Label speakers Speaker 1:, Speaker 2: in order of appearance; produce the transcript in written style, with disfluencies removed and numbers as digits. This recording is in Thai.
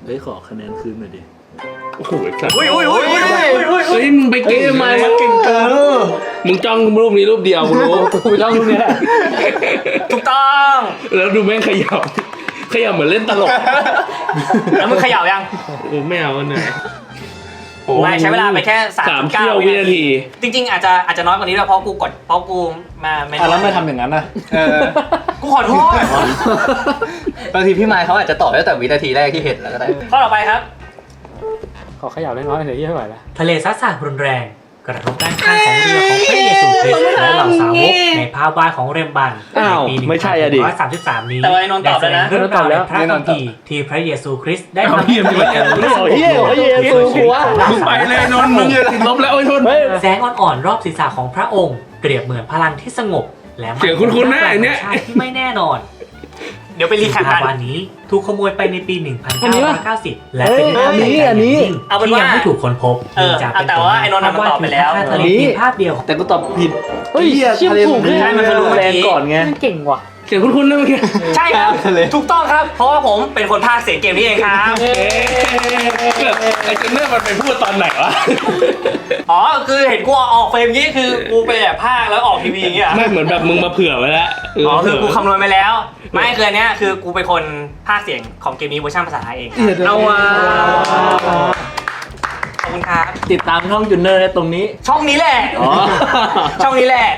Speaker 1: เฮ้ยขอคะแนนคืนหน่อยดิ
Speaker 2: โอ้โหสัตว์
Speaker 3: อุ้ย
Speaker 2: มึงไปเก่ง
Speaker 1: ทำไมมันเก่งเกิน
Speaker 2: มึงจ้องรูปนี้รูปเดียวกูรู้
Speaker 1: กูจ้องรูปนี้แหละ
Speaker 3: ถูกต้อง
Speaker 2: แล้วดูแม่งขยับเหมือนเล่นตลก
Speaker 3: แล้วมึงเขย่ายัง
Speaker 2: ไม่เอาเนี่ย
Speaker 3: ไม่ใช้เวลาไปแค่
Speaker 2: 3 เที่ยววินาที
Speaker 3: จริงๆอาจจะน้อยกว่านี้ด้วยเพราะกูมาไม่
Speaker 1: แล้วไม่ทำอย่างนั้นนะ
Speaker 3: กูขอโทษ
Speaker 4: บางทีพี่ไมค์เขาอาจจะตอบตั้งแต่วินาทีแรกที่เห็นแล้วก็ได้
Speaker 3: ข้อต่อไปครับ
Speaker 5: ขอขยับเล็กน้อยหน่อยที่ไม่ไหวแล้ว
Speaker 6: ทะเลซัดสาดรุนแรงกระทบด้านข้างของเรือของพระเยซูคริสต์และเหล่าสาวกในภาพวาดของเรมบันในปี 1933 นี้
Speaker 3: แต่ว่าไอ้นนท์ตอบแล้วนะ
Speaker 6: ได้แสดงเรื่องราวในพระคัมภีร์ที่พระเยซูคริสต์ได้ทำให้
Speaker 2: เหี้ย
Speaker 6: เกิดการ
Speaker 1: เหี้ยกูวะ
Speaker 2: มึงไปเลยนนท์มึงอย่าติดลบแล้วไอ้นนท์
Speaker 6: แสงอ่อนๆรอบศีรษะของพระองค์เปรียบเหมือนพลังที่สงบและมั่น
Speaker 2: เสียงคุ้นๆหน้าไอ้เนี่ย
Speaker 6: ชาติที่ไม่แน่นอน
Speaker 3: เดี๋ยวไปรีแคป
Speaker 6: ภา
Speaker 3: กั
Speaker 6: พ
Speaker 3: น
Speaker 6: วาดนี้ถูกขโมยไปในปี 1990 และเป็นภาพ
Speaker 1: อันนี้
Speaker 6: ใหญ่
Speaker 1: อันนี้
Speaker 6: ยิ่ง
Speaker 3: เอาเป็น
Speaker 6: ที่
Speaker 3: ว่า
Speaker 6: ยังไม่ถูกค้นพบ
Speaker 3: เออ
Speaker 6: จากเป็น
Speaker 3: แต่ว่าไอ้นนท์น่ะมันตอบไปแล้ว
Speaker 6: ภาพทะเลเพียงภาพเดียว
Speaker 1: แต่กูตอบผิด
Speaker 5: เฮ้ยเชี่ยถูก
Speaker 3: ใช่มันคือรู้เมื่อ
Speaker 1: แรง
Speaker 3: กี้
Speaker 1: ก่อนไง
Speaker 5: เก่งว่ะ
Speaker 2: เสียงคุ้นๆนะเมื่อกี้
Speaker 3: ใช่ครับถูกต้องครับ เพราะว่าผมเป็นคนพากย์เสียงเกมนี้เองครับ
Speaker 2: ไอ้เจนเนอร์มันไปพูดตอนไหนวะ
Speaker 3: อ๋อคือเห็นกูออกเฟรมนี้คือกูไปแบบพากย์แล้วออกทีวีอย่างเงี้ย
Speaker 2: ไม่เหมือนแบบมึงมาเผื่อไว้แล้ว
Speaker 3: อ๋อคือกูคำนวณไปแล้ว ไม่คืออันเนี้ยคือกูเป็นคนพากย์เสียงของเกมนี้เวอร์ชันภาษาไทยเองครับ
Speaker 1: เอาว่ะ
Speaker 3: ขอบคุณครับ
Speaker 1: ติดตามช่องจุนเนอร์ได้ตรงนี้
Speaker 3: ช่องนี้แหละ
Speaker 1: อ๋อ
Speaker 3: ช่องนี้แหละ